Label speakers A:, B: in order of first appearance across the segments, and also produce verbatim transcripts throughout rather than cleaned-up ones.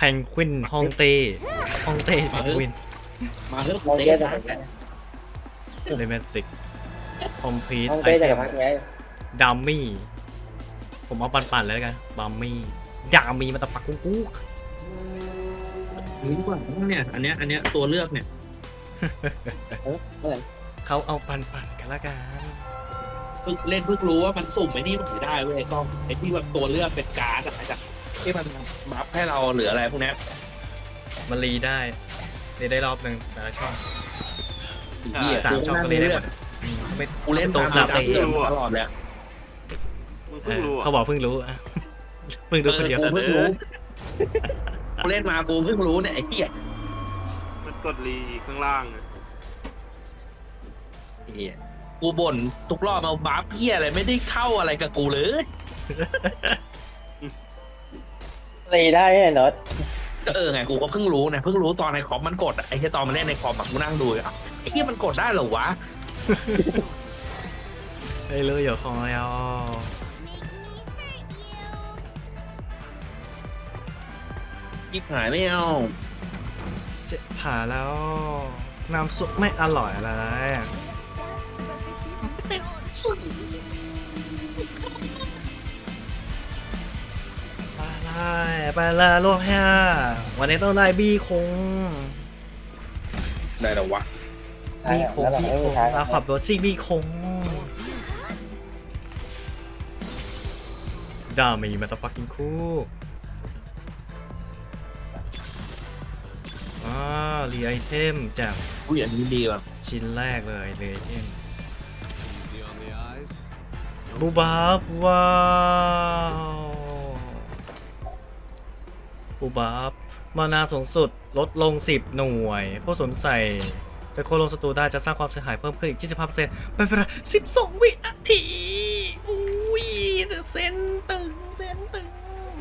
A: นกวินฮองเต้ฮองเต้แพนกวิน
B: มาเถอะ
C: มอง
B: เตะ
C: เต้จะ
B: นะ
C: ทำไง
A: เลมสติกคอมพลีท
C: มอง
A: ไอ
C: เต้
A: เท
C: จะ
A: ม
C: ทำไง
A: ดัมมี่ผมเอาปั่นๆเลยแล้วกันบัมมี่ดามีมาตะปักกุ๊กกุ๊ก
B: นี่ดีกว่าเนี่ยอันเนี้ยอันเนี้ยตัวเลือกเนี่ย
A: เขาเอาปั่นๆกันละกัน
B: เพิ่งเล่นเพิ่งรู้ว่ามันสุ่มไอ้นี่มันไม่ได้เว้ยก็ไอ้ที่แบบตัวเลือกเป็นการ์ดอะจากที่มันบัฟให้เราหรืออะไรพวกเนี้ย
A: มันรีได้รีได้รอบหนึ่งแต่ละช่อง
B: เหี้ย
A: สามช่องก็รีได้หมดอืมไม่
B: กูเล่น
A: ตัว
B: ตาม
A: สับ
B: ตา
A: เอ
B: ม
A: ง
B: ตลอดเลยอะ
D: มึง
A: เอ
D: เพิ่ง
A: อ
D: รู้
A: เขา
D: อ่ะ
A: บอกเพิ่งรู้อะเพิ่งรู้คนเดียว
B: กูเพิ่งรู้กูเล่นมากูเพิ่งรู้เนี่ยไอ้เหี้ย
D: มันกดรีข้างล่างอะ
B: เหี้ยกูบ่นทุกรอบมาบัฟเหี้ยอะไรไม่ได้เข้าอะไรกับกูเลย
C: ตีได้ไงเนอะ
B: ก็เออไงกูก็เพิ่งรู้นะเพิ่งรู้ตอนในคอมมันกดอะไอ้ที่ตอนมันเล่นในคอมแบบกูนั่งดูอ่ะไอ้ที่มันกดได้เหรอวะ
A: เฮ้ยเลยอย่าคอยเอา
B: ยิบหายไม่เอา
A: เจ็บผ่าแล้วน้ำซุปไม่อร่อยอะไรไปเลยไปเลยโลกแพ้วันนี้ต้องได้บีคง
B: ได้หรอวะ
A: บีคง
C: แล้วเรา
A: บี
C: ไม่
A: ค
C: มี
A: ง
C: ทาง
A: เราขับรถซิบีคงดามีมาตาฟักกิ้งคู่อ่ารีไอเทมจาก
B: อุ้ยอันนี้ดีว่ะ
A: ชิ้นแรกเลยรีไอเทมบูบับว้าวบูบับมานาสูงสุดลดลงสิบหน่วยผู้สวมใส่จะโค่นลงศัตรูได้จะสร้างความเสียหายเพิ่มขึ้นอีก ยี่สิบห้าเปอร์เซ็นต์ เป็นเวลาสิบสองวินาทีอุ้ยเส้นตึงเส้นตึง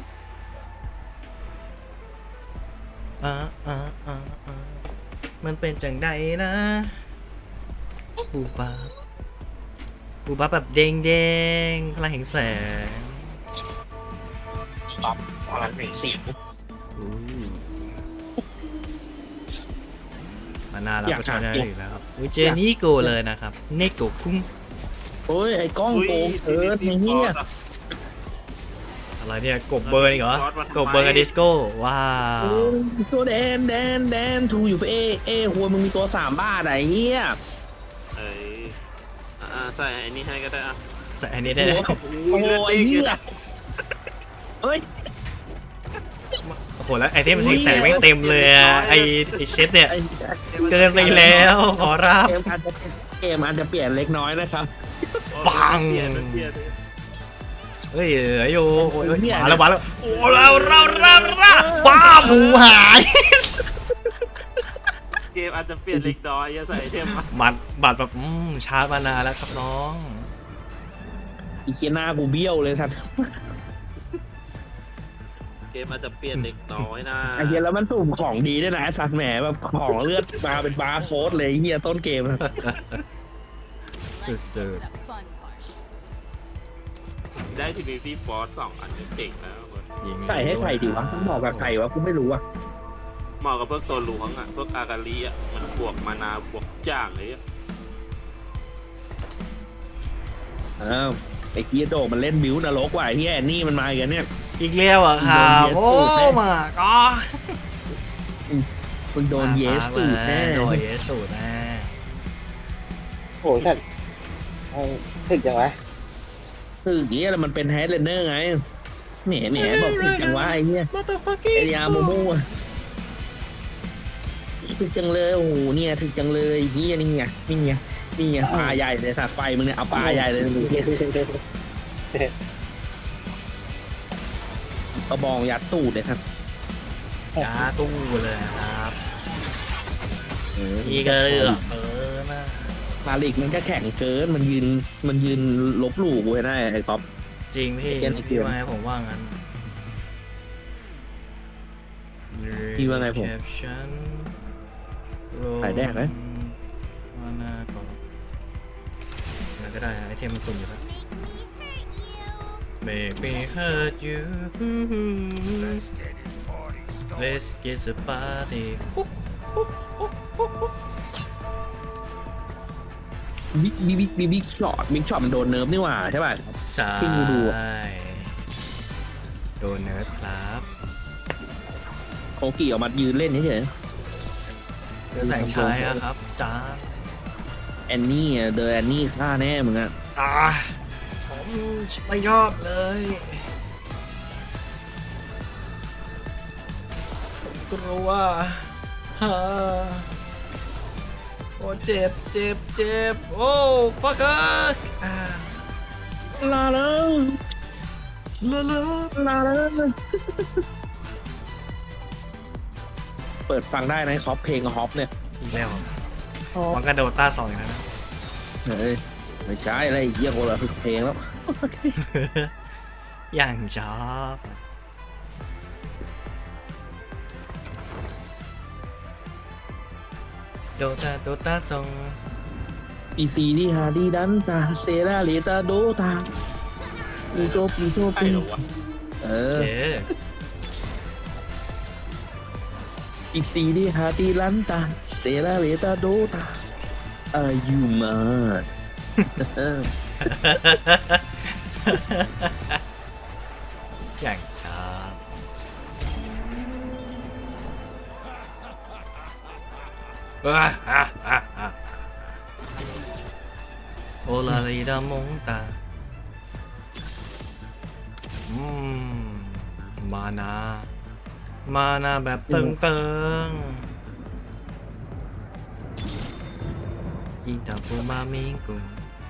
A: อ่าอ่าอ่าอ่ามันเป็นจังใดนะบูบับบูบับแบบเด้งเด้งพลังแห่งแสง
B: ปั๊บพลังแห่งเสียง
A: อู้มานาเราก็ใช้ได้อีกแล้วครับวิเจนี่โกเลยนะครับเนโกคุ้ง
B: โอ้ยไอ้กล้อง
D: อุ้ย
B: โกงเอิร์ธไอ้เหี้ย
A: อะไรเนี่ยกบเบอร์อีกเหรอกบเบอร์กับดิสโก้ว้าว
B: ตัวแดนแดนแดนทูอยู่ไปเอเอหัวมึงมีตัวสามบ้าไอ้เหี้ย
D: เอ้ยอ่าใส่ไอ้นี่ให้ก็ได้อ่ะ
A: ใส่อันนี้ได้เลย
B: โอ้ยไอ้เหี้ยเอ้ย
A: โอ้โหแล้วไอเทมมันแสงไม่งเต็มเลยอะไอไอเซตเนี่ย
B: ไอ้
A: เกินไปแล้วขอรับ
B: เกมอาจจะเกมอาจจะเปลี่ยนเล็กน้อยนะครับ
A: ปัง
D: เปลี่ยนเปลี่ยน
A: เฮ้ยเหลืออยู่โอ้ยมาแล้วมาแล้วโอ้เราเราเราเราบ้าผูหาย
D: เกมอาจจะเปลี่ยนเล็กน้อยอย่าใส่ไอเทมมา
A: บัตรบัตรแบบอืมชาร์จมานานแล้วครับน้อง
B: อีเคียหน้ากูเบี้ยวเลยสัตว์
D: เกมอาจจะเปลี่ยนเล็กน้อยนะ
B: ไอ้เฮียแล้วมันสุ่มของดีด้วยนะไอ้สัตว์แหมแบบของเลือดมาเป็นบาร์โค้ดเลยไอ้เฮียต้นเกมอะ
A: สุด
D: ได้ทีวีซีฟอร์สสองอันจะเจ๋งแล้วคน
A: ๆยิง
B: ใส่ให้ใส่ดิวะต้องบอกแบบใส่วะกูไม่รู้อะ
D: เหมาะกับพวกตัวหลวงอ่ะพวกอากาลีอ่ะมันบวกมานาบวกจ่างเลยอ่ะ
B: อ้าวไอ้เฮียโดมันเล่นบิวนรกว่ะไอ้เฮียแอนนี่มันมาอีกันเนี่ย
A: อีกแล้วอ่ะครับโอ้มาก็
B: มึงโดนเยสตูดแน่
A: โดนเยสตูดแน่
C: โอ้ยแต่ถึกจังวะ
B: คือเฮียแล้วมันเป็นแฮดเลนเนอร์ไงแหมแหมบอกถึงจังวะไอ้เฮีย
A: มาตาฟักกิ้ง
B: ไอ้ยาโมโม่อะถึกจังเลยโอ้โหเนี่ยถึกจังเลยเฮียนี่ไงนี่ไงนี่ไงปลาใหญ่เลยสัตว์ไฟมึงเนี่ยเอาปลาใหญ่เลยมึงเฮียกระบองยัดตูดเลยครับ
A: ยาตู้เลยครับอีกเลือกเออนะ
B: มาลิกมันก็แข็งเกินมันยืนมันยืนลบหลู่กูให้ได้ไอ้ก๊อฟ
A: จริงพี่
B: เกมอีกเก
A: พี่
B: ม
A: ว่าไงผมว่างั้น
B: พี่ว่าไงผม
A: Caption
B: ถ่ายแดกไหม
A: ว่าหน้าก่อนอะไรก็ได้ไอเทมมันสุ่มอยู่แล้ว Make me hurt you Let's get the party
B: บิ๊กบิ๊กบิ๊กบิ๊กช็อตบิ๊กช็อตมันโดนเนิร์ฟนี่หว่าใช่ป่ะ
A: ใช่
B: ที่กูดูอะ
A: โดนเนิร์ดครับ
B: โคกี้ออกมายืนเล่นเฉย
A: เจอแสงชายอะครับจ้า
B: ๆแอนนี่อะเดอแอนนี่ฆ่าแน่มึงอะ
A: อ่าผมไม่ชอบเลยกลัวฮ่าโอ้เจ็บเจ็บเจ็บโอ้ฟักเกอร์อ่า
B: ลาแล้ว
A: ลาลา
B: ลาแล้วเปิดฟังได้นะคอปเพลงฮอปเนี่ย
A: อีกแล้ว
B: ฮอป
A: มันกระโดดต้าสองอีกแล้วนะ
B: เฮ้ยไม่ใช่อะไรเยี่ยโคนละเพลงแล้ว
A: อย่างชอบโดตาโดตาสอง
B: อีซีดีฮาดีดันตาเซราเลตาโดตาปีโซปีโซ
D: ใช่
B: ปี
D: เหรอวะ
B: เอ
A: โอ
B: อ
A: เค
B: อีซีดีฮาดีลันตาเซราเลตาโดตาอายุมา
A: อย่างชอบอ่าอ่าอ่าอ่าโอลาลีดามงตาอืมมานา มานาแบบตึงตึงยิงตาปูมามิงกุง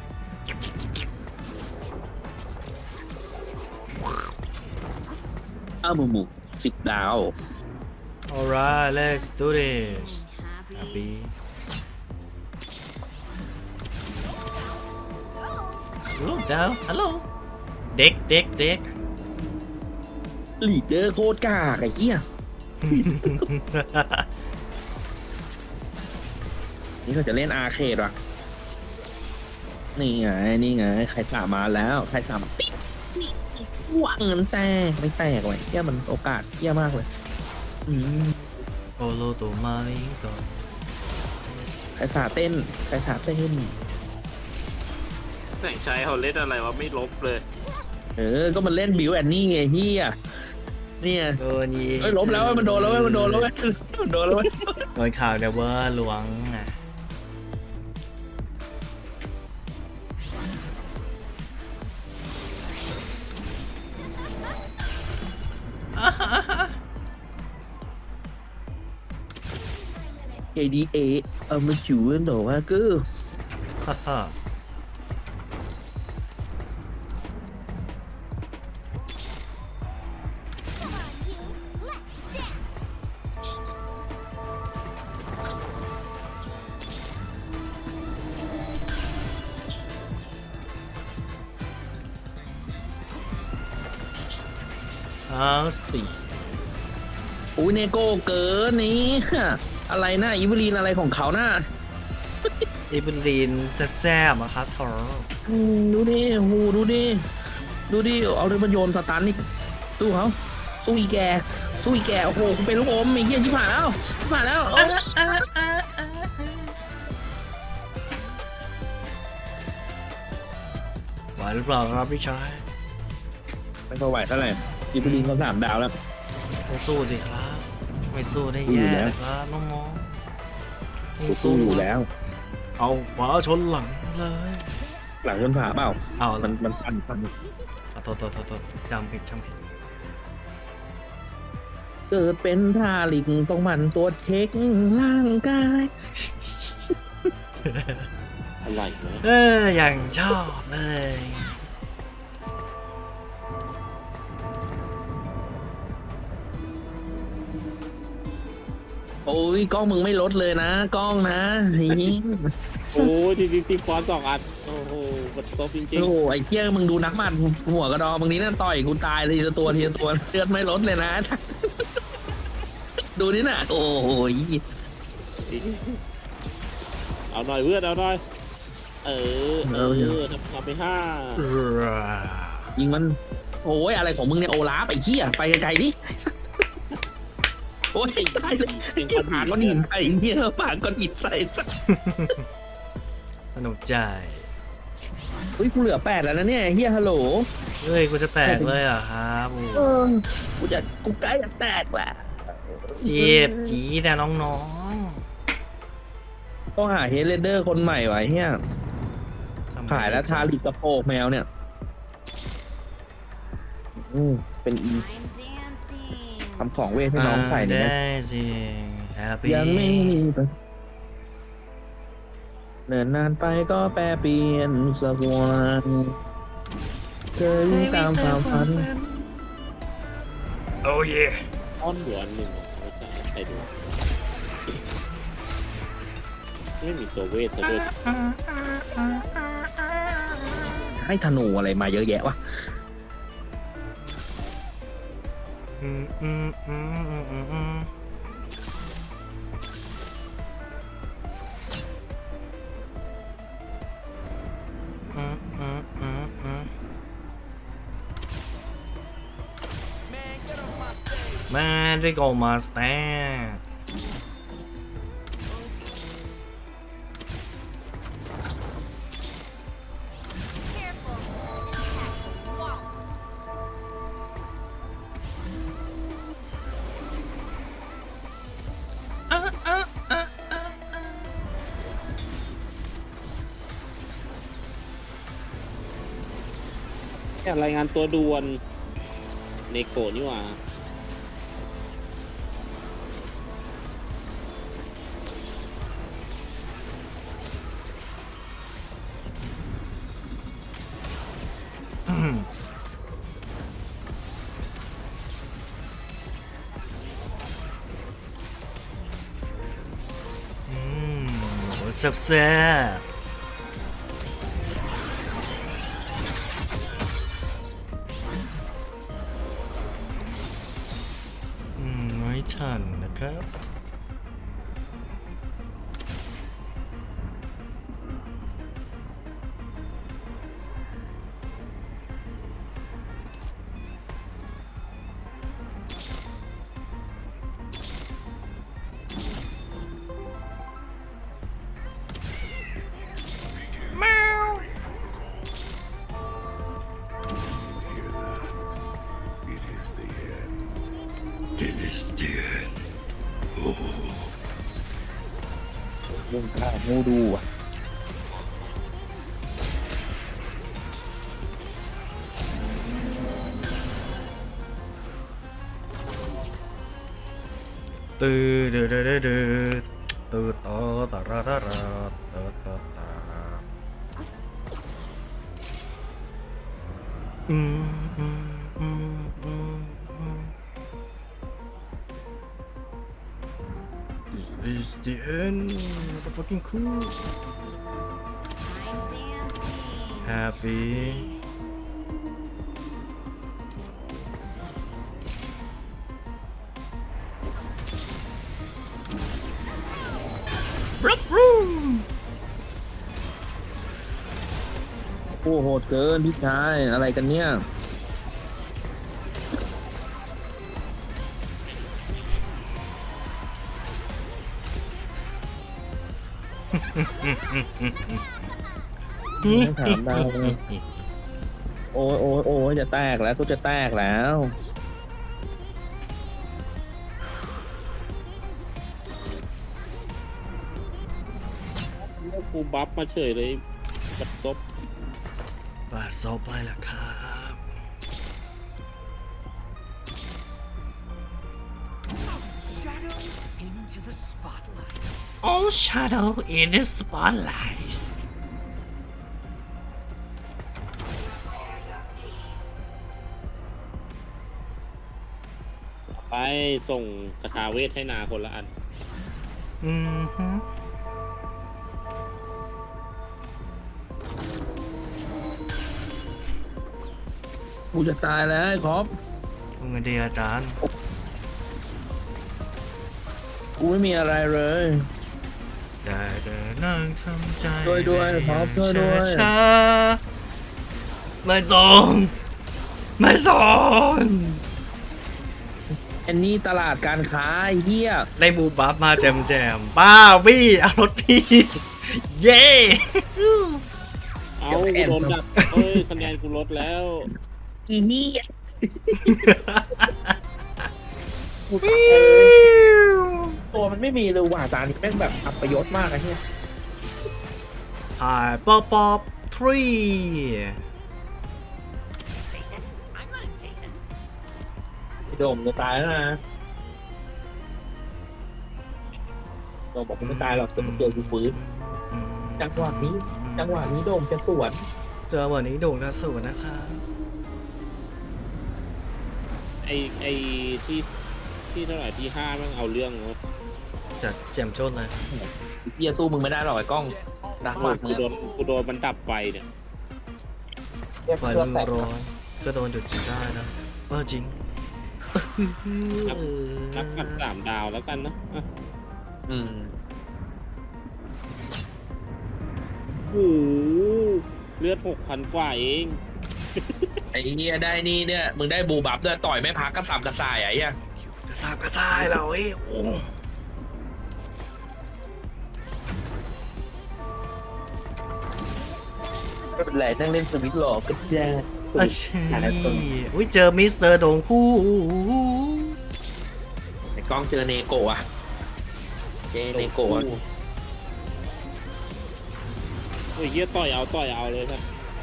B: อาบุบุสิบดาว
A: alright let's do this happy slow down hello เด็กเด็กเด็ก
B: ลีดเดอร์โคตรกากไอ้เหี้ยนี่เขาจะเล่นอาร์เคดว่ะนี่ไงนี่ไงใครสามมาแล้วใครสามมาปิ๊บนี่ว่างเงินแตกไม่แตกเลยเหี้ยมันโอกาสเหี้ยมากเลยอืม
A: โอโลโตมามิงกุง
B: ใครสาเต้นใครสาเต้น
D: แสงชัยเขาเล่นอะไรวะไม่ลบเลย
B: เออก็มันเล่นบิวแอนนี่ไงเฮียเนี่ย
A: โดนยิง
B: เอ้ยล้มแล้วเว้ยมันโดนแล้วเว้ยมันโดนแล้วเว้ยมันโดนแล้วเว้ย
A: โดนข่าวเดวเวอร์หลวงอ่ะ
B: เอดีเอเอามาจูนโดว่ากู
A: ฮ่าฮ่า อาสติ
B: อุ้ยเนโก้เกินนี่อะไรนะอีเวลีนอะไรของเขาน่ะ
A: อีบุนรีนแซ่บๆอะครับทอร์
B: อืมดูดิโอ้โหดูดิดูดิเอาเรือมันโยนสตันนี่สู้เขาสู้อีแกสู้อีแกโอ้โหกูเป็นลูกอมไอ้เหี้ยชิบหายแล้วชิบหายแล้วเอา
A: ไหวหรือเปล่าครับพี่ชาย
B: ไม่ก็ไหวเท่าไหร่อีเวลีนเขาสามดาวแล้ว
A: ต้องสู้สิครับ ไม่สู้ได้
B: สู้อยู่
A: แย่
B: แล้ว
A: นะครับน้องๆต้อง
B: สู้อยู่แล้ว
A: เอาฝาชนหลังเลย
B: หลังชนฝาเปล่า
A: เอา
B: มันมันสั่นสั่น
A: เอาโทษโทษโทษโทษจำผิดจำผิด
B: เกิดเป็นท่าลิงต้องหมันตัวจเช็คร่างกาย
D: อะไรนะ
A: เอออย่างชอบเลย
B: โอ้ยกล้องมึงไม่ลดเลยนะกล้องนะนี่
D: โอ้ยทีทีทีฟอนสองอันโอ้โหมันซบจริง
B: โอ้โหไอ้เที่ยมึงดูนักหมัดหัวกระดองบางนี้นั่นต่อยกูตายเลยทีละตัวทีละตัวเลือดไม่ลดเลยนะ ดูนี่น่ะโอ้โห
D: ๆเอาหน่อยเพื่อนเอาหน่อยเออเออทำทำไปห้า
B: ยิงมันโอ้ยอะไรของมึงเนี่ยโอลาฟไอ้เหี้ยไปไกลๆดิโอ้ยตายเลยปากก้อนหินใส่เงี้ยปากก้อนหินใส่สัส
A: สนุกใจ
B: เฮ้ยกูเหลือแปดแล้วนะเนี่ยเฮียฮัลโหล
A: เฮ้ยกูจะแตกเลยเหรอ่ะครับโอ้
B: เออกูจะกูใกล้จะแตกแล้ว
A: เจ็บจีแต่น้อง
B: ต้องหาเฮดเลเดอร์คนใหม่วะเฮีย
A: ๆทำไง
B: ขายแล้ว
A: ดี
B: ทาลิกกระโปงแมวเนี่ยอืมเป็นอี ทำของเวทให้น้องใส่เนี่ยนะ
A: ได้สิแฮปปี้
B: ยังไม่มีปะเนินนานไปก็แปรเปลี่ยนสักวันเคยวิ่งตามความฝัน
A: โอ้ย
D: อ้อนหัวอันหนึ่งไม่ใช่ใครดูไม่มีตัวเวทซะด้วย
B: ให้ธนูอะไรมาเยอะแยะวะ
A: อืมอืมอืมอืมอืมอืมอืมอืมอืมอืมแม่ได้โกมาสเตน
D: แค่รายงานตัวด่วนเนโกะนี่หว่า
A: อืมอืมโหแซ่บแซ่บอืมไม่ทันนะครับ This is the end
B: เรื่องข้าวงูดูอ่ะ
A: ตื้อเดือดเดือดเดือดตื้อต่อตาราราราตาตาตาอืมอืมอืมอืมอืม This is the end motherfucking cool happy Rup, room.
B: โอ้โหดเกินพี่ชายอะไรกันเนี่ย ไม่ถามได้เลย โอ้ยโอ้ยโอ้ยจะแตกแล้วกูจะแตกแล้ว
D: แล้วกูบัฟมาเฉยเลยบัดซบ
A: บาซบไปละครับ All shadow in the spotlight
D: ไปส่งคาถาเวทให้นาคนละอัน
A: อืมฮึ
B: กูจะตายแล้วไอ้ครอบ
A: ทำไงดีอาจารย์
B: กูไม่มีอะไรเลย
A: ได้แต่นั่งทำใจ
B: ช่วยด้วยครับช่วยด้วย
A: ช้าๆไม่ส่งไม่ส่ง
B: อันนี้ตลาดการค้าไอ้เหี้ย
A: ได้บูบัฟมาแจมแจมบ้าบี้เอารถพี่ เย้
D: เอากูโดนดับเอ้ยคะแนนกูลดแล้ว
B: อีเหี้ยตัวมันไม่มีเลยว่ะตานี่แม่งแบบอัปยศมากไอ้เหี้ย
A: ถ่ายป๊อปป๊อปทรี
B: ไอ้โดมจะตายแล้วนะโดมบอกกูไม่ตายหรอกแต่มันเจอกูฟื้นจังหวะนี้จังหวะนี้โดมจะสวน
A: เจอวันนี้โด่งกระสุนนะคะ
D: ไอไอที่ที่เท่าไหร่ที่ห้าแม่งเอาเรื่องเนอะ
A: จัดแจมโจนเลย
B: เหี้ยสู้มึงไม่ได้หรอกไอ้กล้องดักมากมึ
D: กู
B: ง
D: โดนกูโดนมันดับไฟเนี่ย
C: เรียก
A: ไฟ
C: เครื่อง
A: มัน
C: แตก
A: ร้อนก็โดนหยุดจิได้นะเออจริง
D: นับกับสามดาวแล้วกันนะอ่ะ
B: อืม
D: โอ้โหเลือดหกพันกว่าเอง
B: ไอ้เหี้ยได้นี่เนี่ยมึงได้บูบับด้วยต่อยไม่พักกระสับกระส่ายไอ้เหี้ย
A: กระซาบกระซายเราเอ้ยโอ้
B: ไม่เป็นไรนั่งเล่นสวิตช์หลอกก็ได้
A: อาชีอุ้ยเจอมิสเตอร์โด่งคู่
B: ไอ้กล้องเจอเนโกะอะเจอเนโกะอะ
D: โอ้ยเฮียต่อยเอาต่อยเอาเลยครับ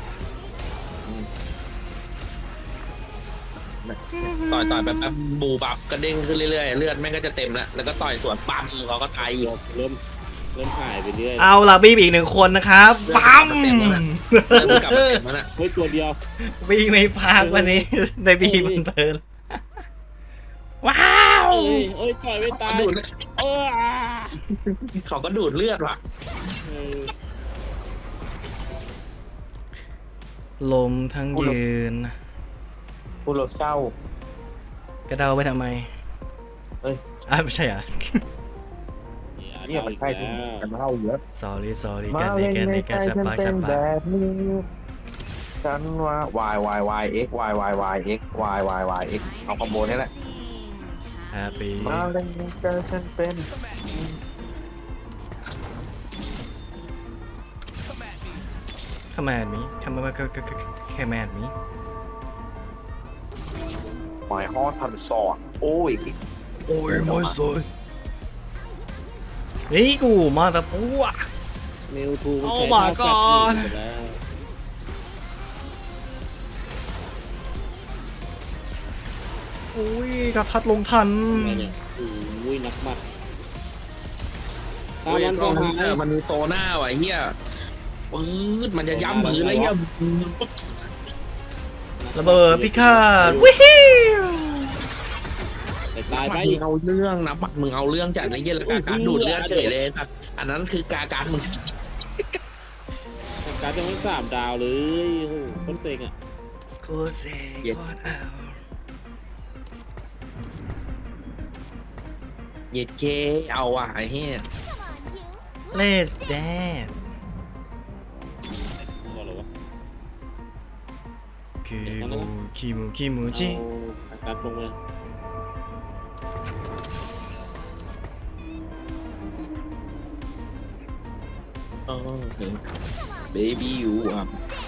B: ต่อยต่อยแบบแบบบูบับกระเด้งขึ้นเรื่อยๆเลือดแม่งก็จะเต็มแล้วแล้วก็ต่อยสวนปั๊มเขาก็ตายอีก
D: เริ่มเริ่มหายไปเรื่อย
A: เอาล่ะบีบอีกหนึ่งคนนะครับปั๊ม
B: เริ่มกลับมาเต็มแล้วน่ะ
D: เฮ้ยตัวเดียว
A: บีไม่พักวันนี้ได้บีบนเพลินว้าว
D: เอ้ยเอ้ยต่อยไม่ตาย
B: ดูด
D: เอออ่า
B: เขาก็ดูดเลือดว่ะ
D: เออ
A: ลมทั้งยืน
B: พูดเราเศร้าก
A: ระเดาไปทำไม
B: เอ้ย
A: อ่ะไม่ใช่เหรอ่ะ
B: เนี่ยมันใช่ที่กันเล่าเยอะ
A: sorry sorry กันดีกันดีกันชับปากชับปาก
B: ฉันว่า y y y x y y y x y y y x เอาคอมโบนี่แหละ
A: happy
B: มาเล่นกันฉันเป็น
A: command me command command me
B: หมายฮอดพันสอดโอ้ย
A: โอ้ยไม่สวยนี่กูมาแต่ปัว
D: เมลทูมัน
A: Oh
D: ใช้
A: my
D: ท่า
A: God
D: แฟลชอยู่แล้ว
A: อุ้ยกระทัดลงทัน
D: อะไรเนี่ยโอ้ยนักบัตรตา
B: โอ้ย
D: มัน
B: ตร
D: ก็
B: ง
D: หา
B: นั้น
D: ย
B: มันมีโซน่าว่ะไอ้เฮียปื๊ดมันจะย้ำมือแล้วเฮีย
A: ระเบิดพิฆาตวิฮิว
D: แต่ตายไป
B: มึงเอาเรื่องนะบักมึงเอาเรื่องจัดไอ้เฮียแล้วกาการดูดเลือดเฉยเลยสัตว์อันนั้นคือกาการมึง
D: แต่การจะไม่สามดาวเลยโอ้โหคนเซ็งอ่ะ
A: โคเซกอดเอา
B: เย็ดเคเอาว่ะไอ้เฮีย
A: Let's dance
D: บอกเลยวะ
A: คิมูคิมูคิมูจิ
D: เอาการตรงเลย
B: เออเบบี้ยูอ่ะ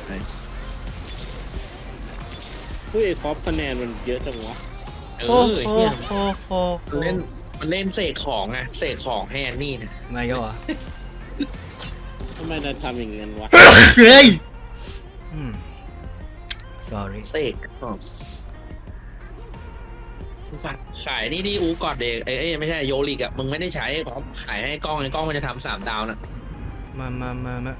D: เฮ้ยคอปคะแนนมันเยอะจังวะ
B: เอ
A: โอ้
B: อ
A: โห
B: เฮีย
A: โอ้โห
B: มันเล่นมันเล่นเสกของไงเสกของให้แอนนี่นะ
A: ไงก็วะ
D: ทำไมนายทำอย่างนั้นวะ
A: เฮ้ยอืม sorry
B: เสกของขายนี่นี่อูกอดเด็กเอ้ยไม่ใช่โยลิกอ่ะมึงไม่ได้ใช้ของขายให้กล้องไอ้กล้องมันจะทำสามดาวนะ
A: มามามามา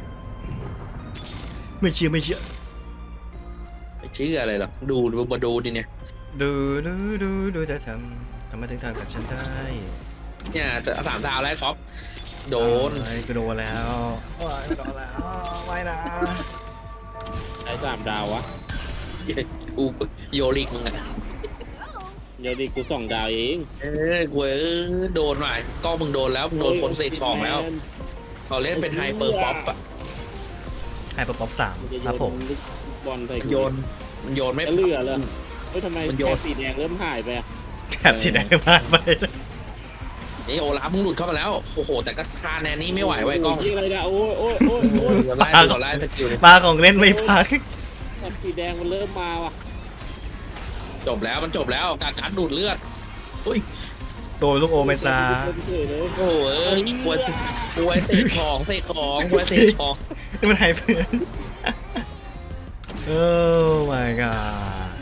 A: ไม่เชื่อไม่เชื่อ
B: ไม่เชื่ออะไรหรอกดูดูมาดูดิเนี่ย
A: ดูดูดูดูจะทำทำไมถึงทำกับฉันได้
B: เนี่ยจะสามดาวแล้วครับโดน
A: ไอ้กูโดนแล้วโอ้ยกูโดนแล้วไม่นะ
D: ไอ้สามดาววะ
B: อูโยลิกมึงอ่ะ
D: เดี๋ยวดิกูสองดาวเอง
B: เออกูเออโดนว่ะกล้องมึงโดนแล้วมึงโดนคนเสกของแล้วเขาเล่นเป็นไฮเปอร์ป๊อปอ่ะ
A: ไฮเปอร์ป๊อปสาม
D: มันจะ
A: ครับผม
D: ลูกบอลใส่
B: มันโยนมันโยนไม่
D: ไม่เหลือเลยเฮ้ยทำไม
B: มันโย
D: แค่
B: น
D: สีแดงเริ่มหายไปอะ
A: แถบสีแดงมากไป
B: เอ้ยโอลาฟมึงหลุดเข้ามาแล้วโอ้โหแต่ก็คาแนนนี่ไม่ไหวไว้ยกล้อง
C: โยอะไรนะโอ้ยโอ้ยโอ้ยโอ้ย
B: เดี๋ยวไล่ดูก่อนไล่สกิลเลย
A: ปลาของเล่นไม่พัก
C: แถบสีแดงมันเริ่มมาว่ะ
B: จบแล้วมันจบแล้วการการดูดเลือดอุ้ย
A: ตัวลูกโอเมซา
C: เฉยเลย
B: โอ้โหเอ้ยกลัวกลัวเสกของเสกของกลัวเสกของ
A: นี่มันหายเพื่อนโอ้ my god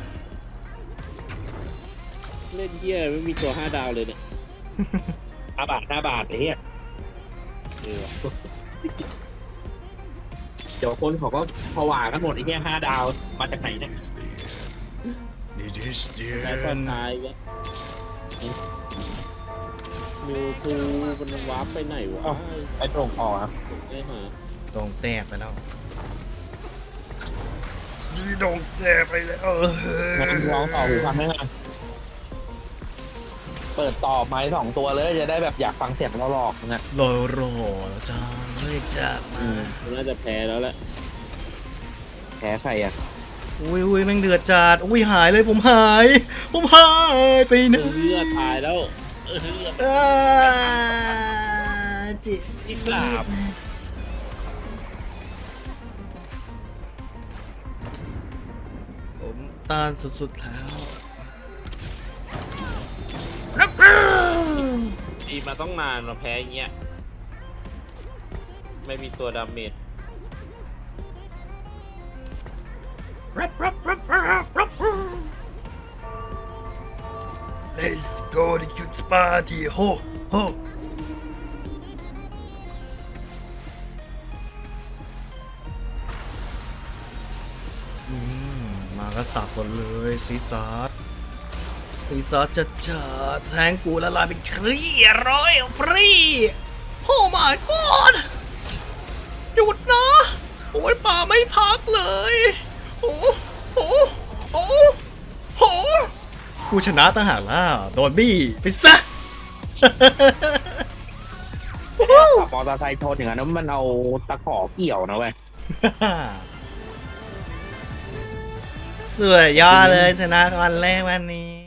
C: เล่นเหี้ยไม่มีตัวห้าดาวเลยเนี่ย
B: ห้าบาทห้าบาทไอ้เหี้ย
C: เออว่ะ
B: เดี๋ยวคนเขาก็ผวากันหมดไอ้เหี้ยห้าดาวมาจากไหนเนี่ย
A: It is
C: แต่ตอน
A: the
C: ท้ายก็มิวทูมันวาร์ปไปไหนวะ
B: ไอ้ตรงคอครับ
C: ไอ้หา
A: ตรงแตกไปแล้วจีดงแตกไปแล้ว
B: งั้นร้องต่อหูฟังได้ไหมเปิดต่อไม้สองตัวเลยจะได้แบบอยากฟังเสียงเราหลอกนะ
A: รอรอแล้วจ้าไม่จะมา
C: มันน่าจะแพ้แล้วแหละ
B: แพ้ใครอ่ะ
A: อุ้ยอุ้ยแม่งเดือดจัดอุ้ยหายเลยผมหาย ผมหายไปไหน
C: เลือดตายแล้วเออเลือด
A: อ่าจิ
C: ที่กราบ
A: ผมต้านสุดๆแล้ว
D: ดีมาต้องนานมาแพ้อย่างเงี้ยไม่มีตัวดาเมจ
A: รับรับรับรับรับ Let's go to kids party ho ho อืมมาก็สับหมดเลยซีซัสซีซัสจะจัดแทงกูละลายเป็นครีร้อยฟรีโอ้ my god หยุดนะ โอ้ยป่าไม่พักเลย โอ้โหโอ้โหกูชนะตั้งหากล่ะโดนบี้ไปซะ
B: ขับมอเตอร์ไซค์ชนอย่างนั้นมันเอาตะขอเกี่ยวนะเว้ย
A: สวยยอดเลยชนะวันแรกวันนี้